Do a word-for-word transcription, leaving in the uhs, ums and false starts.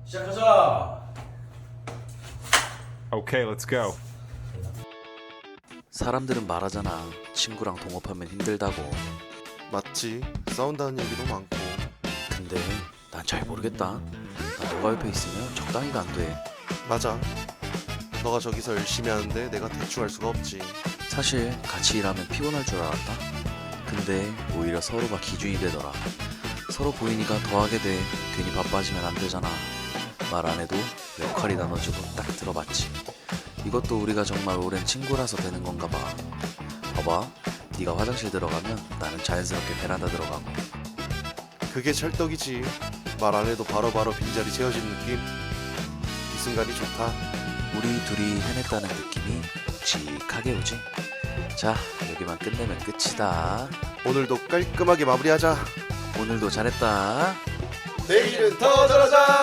시작하자. Okay, let's go. 사람들은 말하잖아. 친구랑 동업하면 힘들다고. 맞지. 싸운다는 얘기도 많고. 근데 난 잘 모르겠다. 나 너가 옆에 있으면 적당히가 안 돼. 맞아. 너가 저기서 열심히 하는데 내가 대충 할 수가 없지. 사실 같이 일하면 피곤할 줄 알았다. 근데 오히려 서로가 기준이 되더라. 서로 보이니까 더 하게 돼. 괜히 바빠지면 안 되잖아. 말 안 해도 역할이 나눠지고 딱 들어봤지. 이것도 우리가 정말 오랜 친구라서 되는 건가 봐. 봐봐. 네가 화장실 들어가면 나는 자연스럽게 베란다 들어가고. 그게 찰떡이지. 말 안 해도 바로바로 빈자리 채워진 느낌. 이 순간이 좋다. 우리 둘이 해냈다는 느낌이 묵직하게 오지. 자, 여기만 끝내면 끝이다. 오늘도 깔끔하게 마무리하자. 오늘도 잘했다. 내일은 더 잘하자.